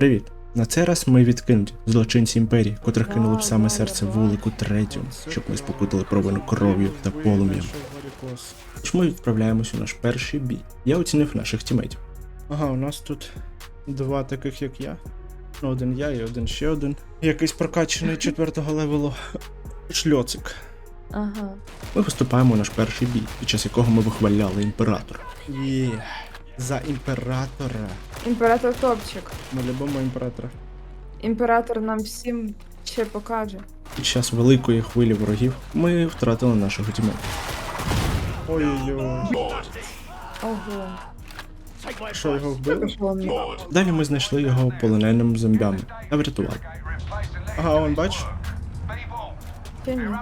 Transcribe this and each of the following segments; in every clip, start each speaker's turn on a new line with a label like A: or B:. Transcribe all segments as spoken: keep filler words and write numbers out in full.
A: Привіт! На цей раз ми відкинуті злочинці імперії, котрих
B: Да,
A: кинули в саме
B: да,
A: серце
B: да.
A: вулику третю, щоб ми спокутали провину кров'ю та полум'ям. Тож ми відправляємось у наш перший бій. Я оцінив наших тімейтів. Ага, у нас тут два таких, як я. Ну, один я і один ще один. Якийсь прокачаний четвертого левелу шльоцик.
B: Ага.
A: Ми виступаємо у наш перший бій, під час якого ми вихваляли імператора. Є, за імператора.
B: Імператор топчик.
A: Ми любимо імператора.
B: Імператор нам всім ще покаже.
A: Під час великої хвилі ворогів ми втратили нашого тімейта. Ой-ой-ой.
B: Ого.
A: Що, його вбили?
B: Пішло мені.
A: Далі ми знайшли його полоненим зомбями та врятували. Ага, он бачиш?
B: Чи ні?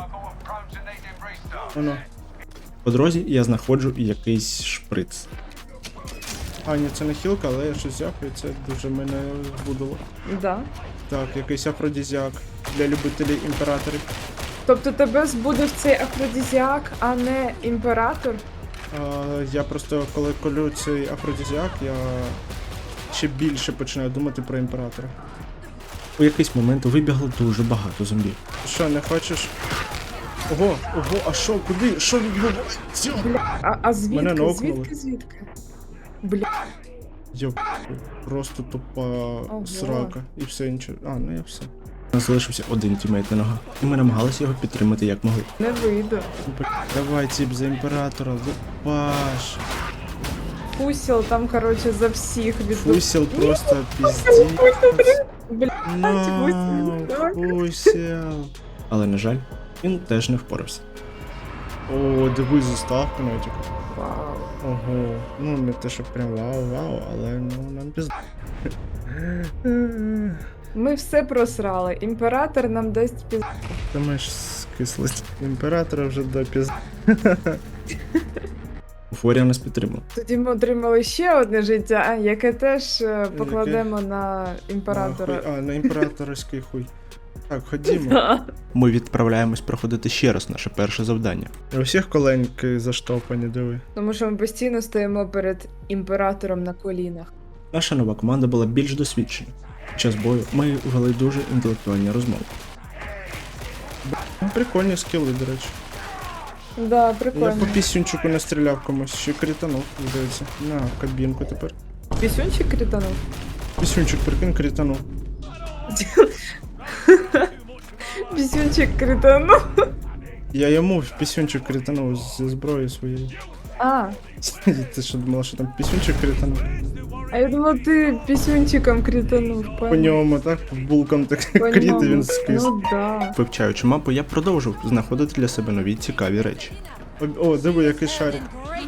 A: Воно. По дорозі я знаходжу якийсь шприц. А, ні, це не хілка, але я щось взяв, і це дуже мене збудило.
B: Да.
A: Так, якийсь афродізіак для любителів імператорів.
B: Тобто тебе збудив цей афродизіак, а не імператор?
A: А, я просто, коли колю цей афродізіак, я ще більше починаю думати про імператора. У якийсь момент вибігло дуже багато зомбів. Що, не хочеш? Ого, ого, а що, куди? Що відбувається?
B: Бля, а, а звідки?
A: Мене нокнули.
B: Звідки, звідки? Бля.
A: Йоп, просто тупа
B: Ого.
A: срака. І все інше. А, ну і все. У нас залишився один тімейт на ногах, і ми намагалися його підтримати як могли.
B: Не вийду.
A: Давай, тіп, за імператора, Лупаш.
B: Фусіл там, короче, за всіх від...
A: Фусіл просто піздець.
B: Бля,
A: Ну, Фусіл. Але, на жаль, він теж не впорався. О, дивись, заставка навіть.
B: вау.
A: Ого, ну не те, що прям вау-вау, але ну нам пізд...
B: Ми все просрали. Імператор нам дасть піз...
A: Ти маєш скислость. Імператора вже до пізд... Уфорія нас підтримала.
B: Тоді ми отримали ще одне життя, яке теж е, покладемо на імператора.
A: А, хуй- а, на імператорський хуй. Так, ходімо. Ми відправляємось проходити ще раз наше перше завдання. У всіх коленки заштовхані, диви.
B: Тому що ми постійно стоїмо перед імператором на колінах.
A: Наша нова команда була більш досвідчена. Під час бою ми вели дуже інтелектуальні розмови. Б**, ну, прикольні скіли, до речі.
B: Да,
A: Я
B: прикольно.
A: по пісюнчику настріляв комусь, ще кританув, здається. На, кабінку тепер.
B: Пісюнчик кританув?
A: Пісюнчик, прикинь, кританув.
B: Пісюнчик кританув?
A: Я йому в пісюнчик кританув зі зброї своєї.
B: А,
A: Ти що думала, що там пісюнчик кританув?
B: а я думала, ти пісюнчиком кританув.
A: По
B: понял.
A: ньому, так? Булком так
B: По
A: кріти,
B: ньому.
A: він скис.
B: Ну да.
A: Вивчаючи мапу, я продовжив знаходити для себе нові цікаві речі. О, о, диви, який шарик.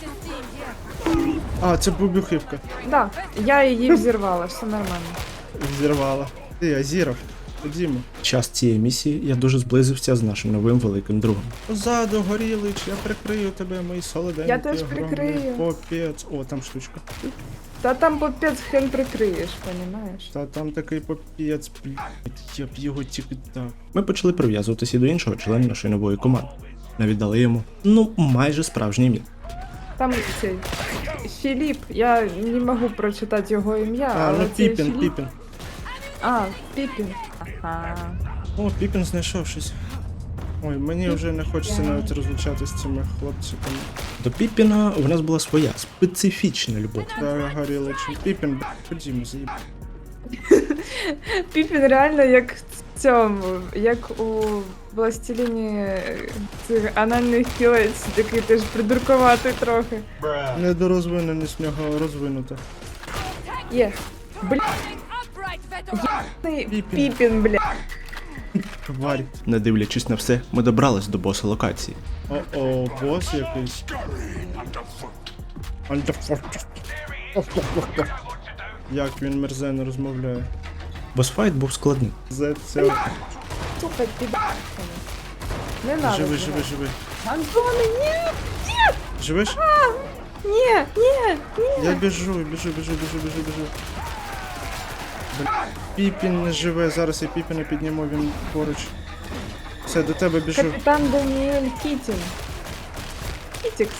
A: А, це бубюхівка.
B: Да, я її взірвала, все нормально.
A: Зірвала. Ти, Азіров, ходімо. Під час цієї місії я дуже зблизився з нашим новим великим другом. Ззаду, Горілич, я прикрию тебе, мої солоденькі.
B: Я теж
A: огромні.
B: прикрию.
A: Попець. О, там штучка.
B: Та там попець хрен прикриєш, понімаєш?
A: Та там такий попець, блядь, я б його тільки так. Ми почали прив'язуватися до іншого члена нашої нової команди. Навіть дали йому, ну, майже справжнє ім'я.
B: Там цей Філіп, я не можу прочитати його ім'я,
A: А,
B: але
A: ну
B: це
A: Піпін,
B: Філіп.
A: Піпін.
B: А, Піпін. Ага.
A: О, Піпін знайшов щось. Ой, мені вже не хочеться навіть розлучатися з цими хлопцями. До Піпіна у нас була своя специфічна любов. Та Горіличем. Піпін, б**, ходімо, заїб.
B: Піпін реально як в цьому, як у Властеліні цих анальних кілець, такий теж придуркуватий трохи.
A: Недорозвиненість в нього розвинута.
B: Є. Бля. Єбаний Піпін, бля.
A: Тварь. Не дивлячись на все, ми добрались до боса локації. О-о, бос якийсь. Як він мерзенно розмовляє. Босфайт був складний. За це...
B: Сука, піда. Не надо.
A: Живи,
B: цього.
A: живи, живи.
B: Антоне, ні!
A: Живеш?
B: Ні, ні, ні.
A: Я біжу, біжу, біжу, біжу, біжу, біжу. Бля, Піпін не живе, зараз я Піпіна підніму, він поруч. Все, до тебе біжу.
B: Капітан Даніель Кітін. Кітікс.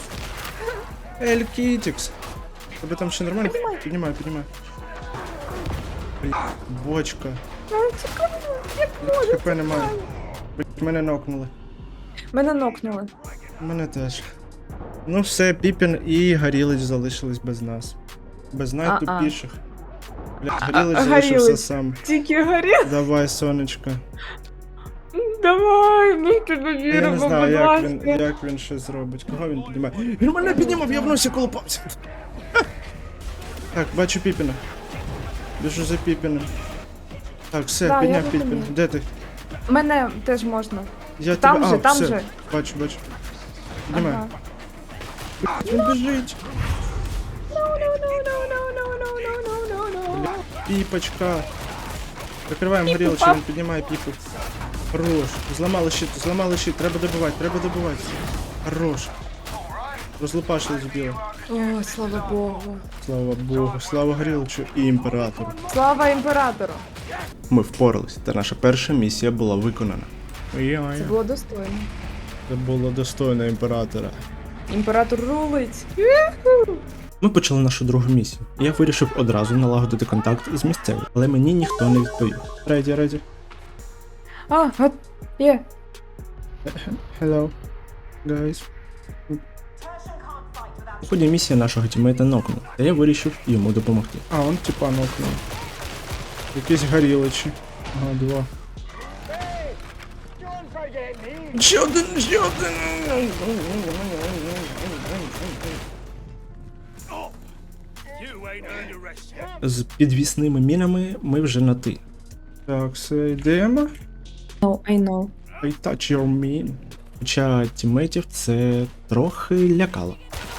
A: Ель Кітікс. Тебе там ще нормально? Піднімай, піднімай. Бля, бочка.
B: Ну, цікаво, як може.
A: ХП немає. Блять, мене нокнули.
B: Мене нокнули.
A: Мене теж. Ну все, Піпін і Горілич залишились без нас. Без найтупіших. Блять, Горілич
B: А-
A: залишився
B: Горілич.
A: сам.
B: Тільки горі.
A: Давай, сонечко.
B: Давай, ми в тебе
A: Я
B: віримо,
A: не
B: будь
A: знаю, як він,
B: ласка.
A: як він ще зробить. Кого він піднімає? Він мене піднімав, я в носі колупався. Так, бачу Піпіна. Біжу за Піпіном. Так, все,
B: Да, я
A: підняв
B: розумію.
A: Піпін. Де ти?
B: Мене теж можна.
A: Я
B: Там
A: тебе...
B: же,
A: а,
B: там
A: все.
B: же.
A: Бачу, бачу. Піднімай.
B: Ага.
A: Він біжить.
B: No, no, no, no, no, no, no, no, no, no, no.
A: Піпочка. Прикриваємо
B: Піпу,
A: горілочку,
B: пап.
A: він піднімає піпу. Хорош. Зламали щит, зламали щит. Треба добивати, треба добивати. Хорош. Розлупашили збили.
B: О, слава Богу.
A: Слава Богу, слава горілочу і імператору.
B: Слава імператору.
A: Ми впорались, та наша перша місія була виконана.
B: Це було достойно.
A: Це було достойно імператора.
B: Імператор рулить.
A: Ми почали нашу другу місію. Я вирішив одразу налагодити контакт з місцевим, але мені ніхто не відповів. Реді, реді.
B: А, от, є.
A: Hello, guys. У ході місії нашого тімейта нокнув, та я вирішив йому допомогти. А, он типа нокнув. Якісь горілочі. Ага, два. Ще один, ще один. З підвісними мінами ми вже на ти. Так, все, йдемо.
B: No, I know.
A: I touch your mean. Хоча тімейтів це трохи лякало.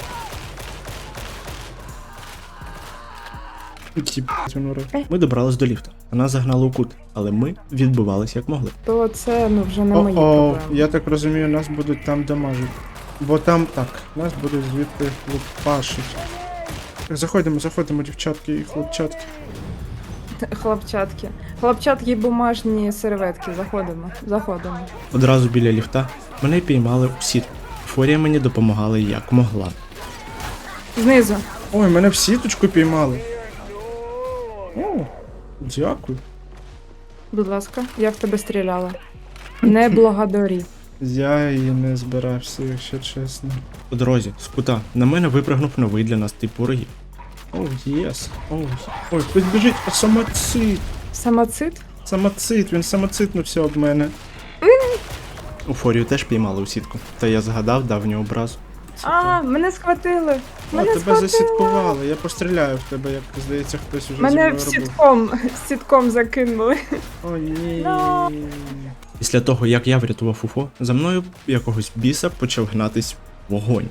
A: Ті, б***ь, воно ре- Ми добрались до ліфта. Вона загнала у кут, але ми відбивалися як могли.
B: То це, ну, вже не мої
A: О-о,
B: проблеми.
A: я так розумію, нас будуть там дамажити. Бо там так, нас будуть звідти лупашить. Так, заходимо, заходимо, дівчатки і хлопчатки.
B: Хлопчатки. Хлопчатки і бумажні серветки. Заходимо. Заходимо.
A: Одразу біля ліфта мене піймали у сітку. Форія мені допомагала як могла.
B: Знизу.
A: Ой, мене в сіточку піймали. О, дякую.
B: Будь ласка, я в тебе стріляла. Не благодарі.
A: Я її не збирався, якщо чесно. По дорозі, з кута, на мене випрыгнув новий для нас тип ворогів. Оу, єс. Оу, ой, хтось біжить, а самоцит.
B: Самоцит?
A: Самоцит, він самоцитнувся об мене. У Форію теж піймали у сітку, та я згадав давню образу.
B: А, мене схватили.
A: О,
B: Мене
A: тебе
B: схватили.
A: засіткували, я постріляю в тебе, як здається, хтось уже зі
B: Мене
A: мною
B: в
A: робив.
B: сітком, сітком закинули.
A: О, ні.
B: No.
A: Після того, як я врятував Уфо, за мною якогось біса почав гнатись вогонь.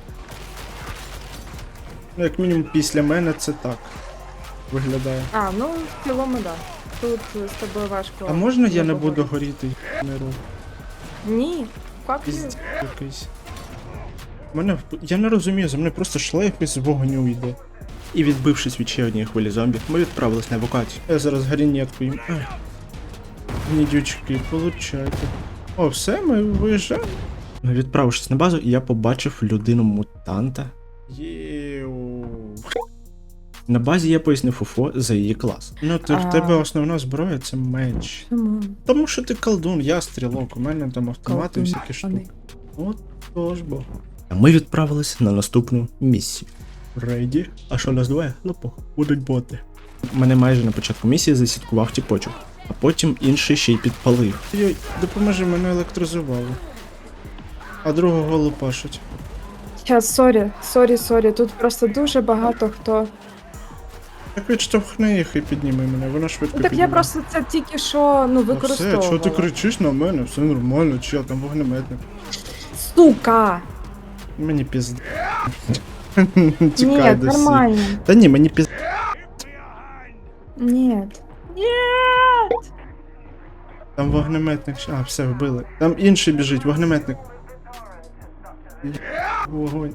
A: Ну, як мінімум, після мене це так виглядає.
B: А, ну, в цілому, да. Тут з тобою важко.
A: А можна я не
B: поговорити.
A: буду горіти, не роб?
B: Ні. Fuck you.
A: Піздець якийсь. Мене вп- я не розумію, за мною просто шлейф із вогню йде. І відбившись від ще однієї хвилі зомбі, ми відправились на евакуацію. Я зараз гарінетку їм. Ай. Гнідючки, получайте. О, все, ми виїжджаємо. Відправившись на базу, я побачив людину-мутанта. Єу. На базі я пояснив Уфо за її клас. Ну, ти, в
B: А.
A: тебе основна зброя це меч.
B: Чому?
A: Тому що ти колдун, я стрілок, у мене там автомати,
B: Колдун,
A: всякі штуки.
B: вони.
A: От тож бо. А ми відправились на наступну місію. Рейді? А що нас двоє? Ну пох, будуть боти. Мене майже на початку місії засіткував тіпочок, а потім інший ще й підпалив. Йой, допоможи, мене електризували. А другого лупашуть.
B: Щас, сорі, сорі, сорі. Тут просто дуже багато хто.
A: Так відштовхни їх і підніми мене, вона швидко
B: Ну, так я
A: підніме.
B: просто це тільки що, ну,
A: Ну
B: використовувала.
A: все, чого ти кричиш на мене? Все нормально, чи я там вогнеметник.
B: Сука!
A: Мені пізд.
B: Ні,
A: Тікай до всіх.
B: нормально.
A: Та ні, мені пізд.
B: Ні. Ні.
A: Там вогнеметник. ще- А, все, вбили. Там інший біжить, вогнеметник. Є- Вогонь.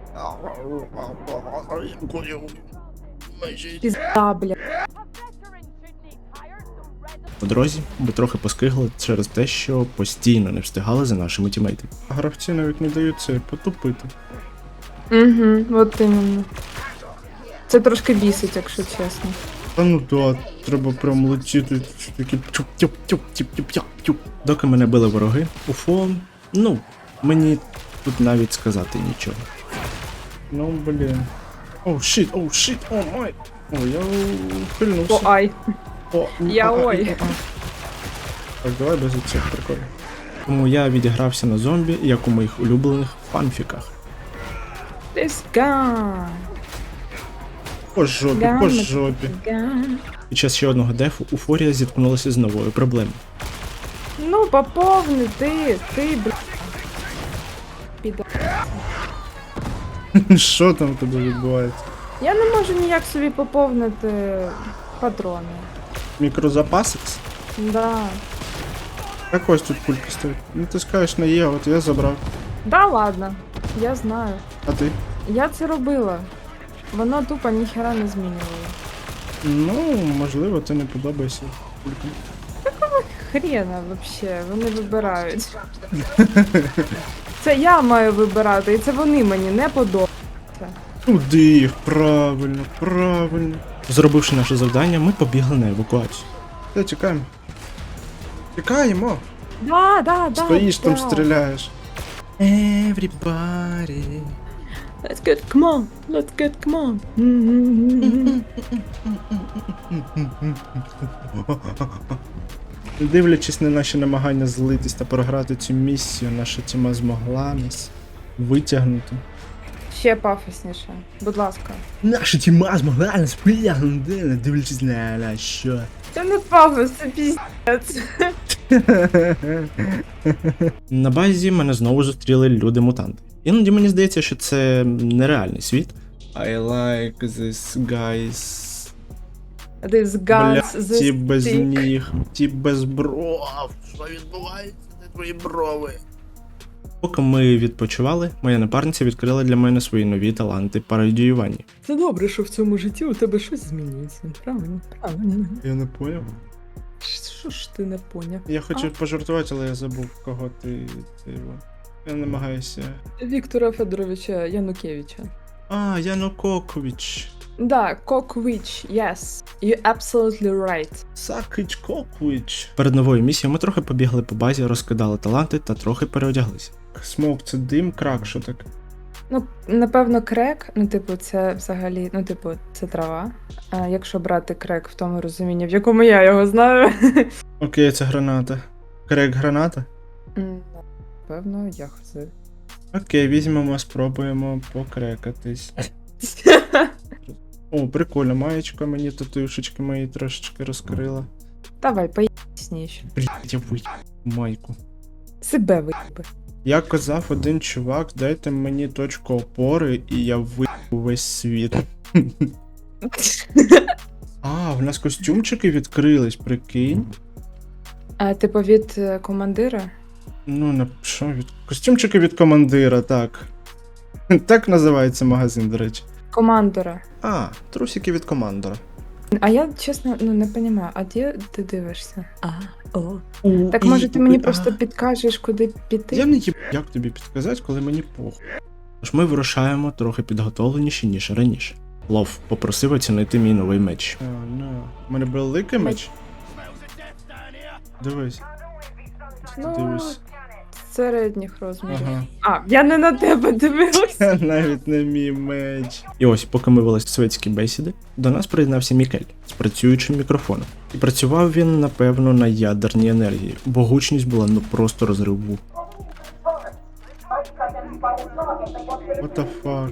B: Пізда, бля.
A: По дорозі ми трохи поскигли через те, що постійно не встигали за нашими тімейтами. Гравці навіть не дають це потупити.
B: Угу, от іменно. Це трошки бісить, якщо чесно.
A: Та ну да, треба прям летіти, такі тюп-тюп-тюп-тюп-тюп-тюп. Доки мене били вороги, уфо, ну, мені тут навіть сказати нічого. Ну, блін. Оу, шіт, оу, шіт, о, май. О, я ухильнувся.
B: О, ай.
A: О,
B: Я
A: а, а,
B: ой.
A: а, а. Так, давай без цих приколів. Тому я відігрався на зомбі, як у моїх улюблених фанфіках.
B: This gun.
A: По жопі,
B: Gun.
A: по жопі.
B: Gun.
A: Під час ще одного дефу Уфорія зіткнулася з новою проблемою.
B: Ну, поповни ти, ти, бля. Піда.
A: Що там у тебе відбувається?
B: Я не можу ніяк собі поповнити патрони.
A: Мікрозапасикс?
B: Да.
A: Як ось тут кулька стоїть? Ну ти скажеш на Є, от я забрав.
B: Да ладно, я знаю.
A: А ти?
B: Я це робила. Воно тупо ніхера не змінювало.
A: Ну, можливо, ти не подобаєшся кулькам.
B: Хрена вообще, вони вибирають. Це я маю вибирати, і це вони мені не подобаються.
A: Туди їх, правильно, правильно. Зробивши наше завдання, ми побігли на евакуацію. Та тікаємо. Тікаємо!
B: Да, да, да.
A: Стоїш
B: да.
A: там, стріляєш. Everybody.
B: Let's get, come on, let's get, come on. М-м-м-м.
A: Дивлячись на наші намагання злитись та програти цю місію, наша тіма змогла нас витягнути.
B: Ще пафосніше, будь ласка.
A: Наша тіма змогла нас витягнути, не дивлячись на на що.
B: Це не пафос, це піздець.
A: На базі мене знову зустріли люди-мутанти. Іноді мені здається, що це нереальний світ. I like this guys.
B: This guns,
A: Бля,
B: this
A: ті без
B: stick.
A: ніг, ті без бров. Що відбувається? Де твої брови? Поки ми відпочивали, моя напарниця відкрила для мене свої нові таланти по радіюванні.
B: Це добре, що в цьому житті у тебе щось змінюється. Правильно, правильно.
A: Я не поняв.
B: Що ж ти не поняв?
A: Я хочу пожартувати, але я забув, кого ти. ти... Я намагаюся.
B: Віктора Федоровича Янукевича.
A: А, Янукович.
B: Да, Коквич, yes. You're absolutely right.
A: Сакич Кокович. Перед новою місією ми трохи побігли по базі, розкидали таланти та трохи переодяглися. Смок це дим, крак, що таке?
B: Ну, напевно, крек, ну, типу, це взагалі, ну, типу, це трава. А якщо брати крек в тому розумінні, в якому я його знаю.
A: Окей, це граната. Крек граната?
B: М, Напевно, я хз.
A: Окей, візьмемо, спробуємо покрекатись. О, прикольно, маєчка мені татушечки мої трошечки розкрила.
B: Давай, поясніш.
A: Блять, я виїб майку.
B: Себе виїби.
A: Як казав один чувак, дайте мені точку опори і я виїбу весь світ. А, в нас костюмчики відкрились, прикинь.
B: А, типу, від е, командира?
A: Ну, на що від. Костюмчики від командира, так. Так називається магазин, до речі.
B: Командора.
A: А, трусики від командора.
B: А я, чесно, ну, не розумію, а де ти дивишся? А, о.
A: У,
B: Так
A: і-
B: може ти мені
A: а.
B: просто підкажеш, куди піти?
A: Я не їб, як тобі підказати, коли мені похуй. Тож ми вирушаємо трохи підготовленіші, ніж раніше. Лов попросив оцінити мій новий меч. А, ну. У мене великий меч? Дивись.
B: Ну,
A: Дивись.
B: середніх розмірів.
A: Ага.
B: А, я не на тебе дивилась.
A: Це навіть не мій меч. І ось, поки ми вели светські бесіди, до нас приєднався Мікель з працюючим мікрофоном. І працював він, напевно, на ядерній енергії, бо гучність була ну просто розрив вух. What the fuck?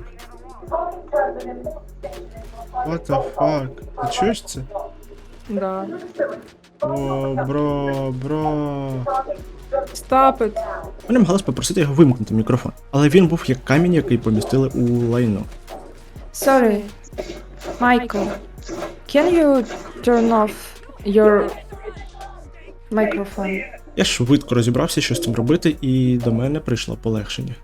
A: What the fuck? Ти чуєш це?
B: Да.
A: О, бро, бро.
B: Stop it.
A: Ми намагалися попросити його вимкнути мікрофон, але він був як камінь, який помістили у лайно.
B: Sorry. Michael, can you turn off your microphone?
A: Я швидко розібрався, що з цим робити, і до мене прийшло полегшення.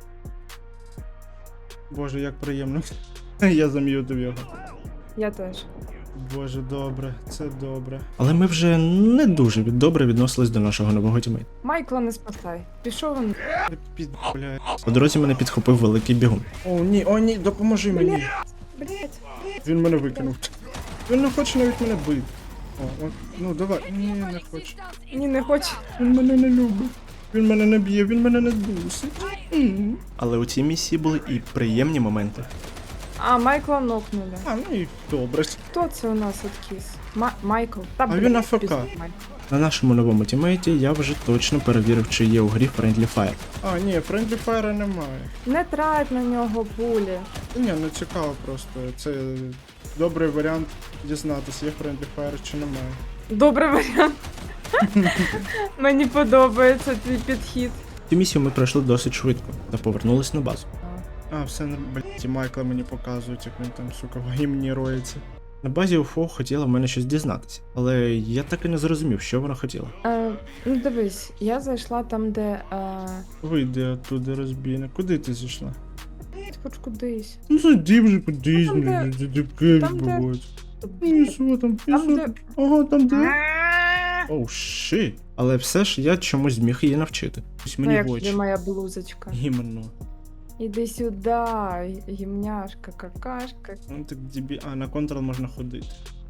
A: Боже, як приємно. Я зам'ютив його.
B: Я теж.
A: Боже, добре, це добре. Але ми вже не дуже від- добре відносились до нашого нового тімейта.
B: Майкла не спасай. Пішов він.
A: Під, бля. По дорозі мене підхопив великий бігун. О, ні, о, ні, допоможи мені.
B: Блять.
A: Він мене викинув. Він не хоче навіть мене бити. О, от, ну давай. Ні, не хоче.
B: Ні, не хочу.
A: Він мене не любить. Він мене не б'є, він мене не дусить. М. Але у цій місії були і приємні моменти.
B: А, Майкла нокнули.
A: А, ну і добре.
B: Хто це у нас откис? Ма- Майкл. Та,
A: він
B: блін,
A: АФК.
B: пізно, Майкл.
A: На нашому новому тімейті я вже точно перевірив, чи є у грі Friendly Fire. А, ні, Friendly Fire немає.
B: Не трать на нього пулі.
A: Ні, не цікаво просто. Це добрий варіант дізнатися, є Friendly Fire чи немає.
B: Добрий варіант. Мені подобається твій підхід.
A: Цю місію ми пройшли досить швидко та повернулись на базу. А, все, блядь, і Майкла мені показують, як він там, сука, в гімні роється. На базі УФО хотіла в мене щось дізнатися, але я так і не зрозумів, що вона хотіла.
B: Е, ну дивись, я зайшла там, де. Е,
A: Вийди оттуда, розбійна. Куди ти зійшла?
B: хоч кудись.
A: Ну зайди вже кудись,
B: Там, де-
A: блядь, дебки
B: там, де-
A: відбуваються. Ну і що там, і
B: Там,
A: що
B: де-
A: там? Ага, там де? Оу, ши. Але все ж я чомусь зміг її навчити. Ось
B: Ну,
A: мені
B: як
A: в
B: тобі
A: очі.
B: моя блузочка.
A: Іменно.
B: Іди сюди, гімняшка, какашка.
A: Ну так дебі... А, на контрол можна ходити.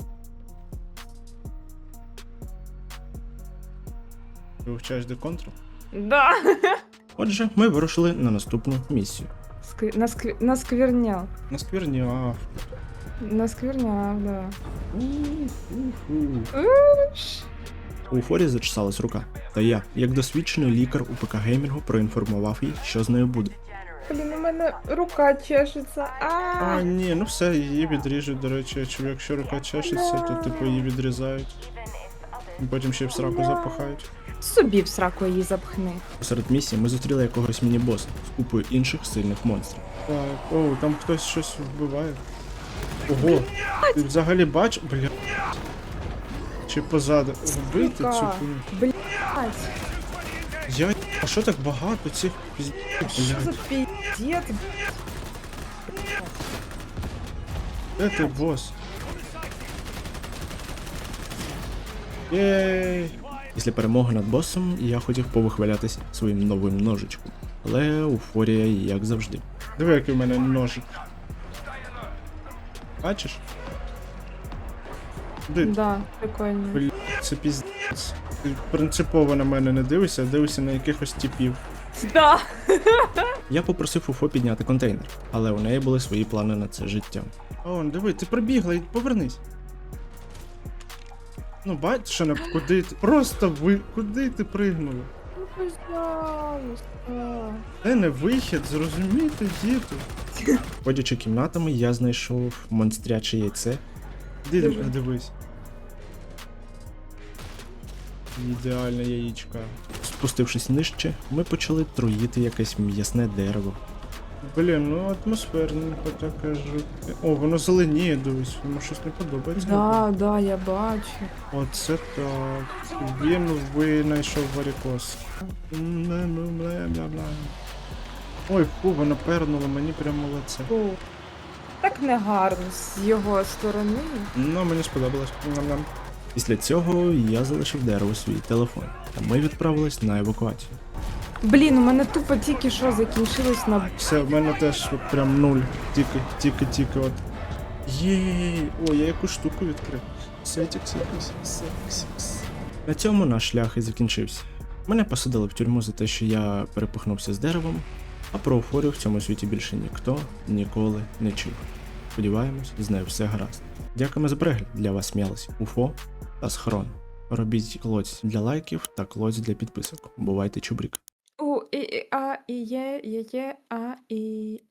A: Ти вивчаєш де контрол?
B: Да.
A: Отже, ми вирушили на наступну місію.
B: Скві... Наскві... Насквірняв.
A: На скверні, а.
B: Насквірняв, да.
A: У-ху.
B: Ш.
A: У Уфорі зачесалась рука. Та я, як досвідчений лікар у ПК геймінгу, проінформував її, що з нею буде.
B: Блін, у мене рука чешеться.
A: А,
B: А.
A: ні, ну все, її відріжуть, до речі, чи якщо рука чешеться, то типу її відрізають. І потім ще й в сраку запахають.
B: Собі в сраку її запхни.
A: Посеред місії ми зустріли якогось міні-боса з купою інших сильних монстрів. Так, оу, там хтось щось вбиває. Ого, ти взагалі бач, бля. Чи позаду. Вбити цю
B: Сука.
A: хуйню.
B: Блять.
A: Я, а що так багато цих піздів,
B: Що за
A: блядь?
B: піздець?
A: Де ти, бос? Єй! Після перемоги над босом я хотів повихвалятися своїм новим ножичком. Але уфорія, як завжди. Диви, який у мене ножик. Бачиш? Де?
B: Да, прикольно.
A: Бля, це піздець. Ти принципово на мене не дивишся, а дивишся на якихось типів.
B: Да.
A: Я попросив Уфо підняти контейнер, але у неї були свої плани на це життя. О, диви, ти пробігла і повернись. Ну, бачиш, що не куди ти. Просто ви. Куди ти пригнула?
B: Ну, пожалуйста.
A: Це не вихід, зрозумійте, діти. Ходячи кімнатами, я знайшов монстряче яйце. Іди
B: Диви.
A: дивись. Ідеальне яєчка. Спустившись нижче, ми почали труїти якесь м'ясне дерево. Блін, ну атмосферненько так кажу. О, воно зеленіє, дивись, йому щось не подобається.
B: Да, да, я бачу.
A: Оце так. Він винайшов варікоз. Бля-бля-бля. Ой, фу, воно пернуло мені прямо в лице.
B: Фу. Так негарно з його сторони.
A: Ну, мені сподобалось. Ням-ням. Після цього я залишив дерево свій телефон, та ми відправились на евакуацію.
B: Блін, у мене тупо тільки що закінчилось на.
A: Все, в мене теж от прям нуль. Тільки, тільки, тільки от. Єй! О, я якусь штуку відкрив. Сетікс якийсь. Сексікс. На цьому наш шлях і закінчився. Мене посадили в тюрму за те, що я перепихнувся з деревом, а про Уфорію в цьому світі більше ніхто ніколи не чув. Сподіваємось, з нею все гаразд. Дякуємо за перегляд. Для вас сміялись Уфо та Схрон. Робіть клоць для лайків та клоць для підписок. Бувайте чубрік.
B: У, і, і, а, і є, є, є, а, і.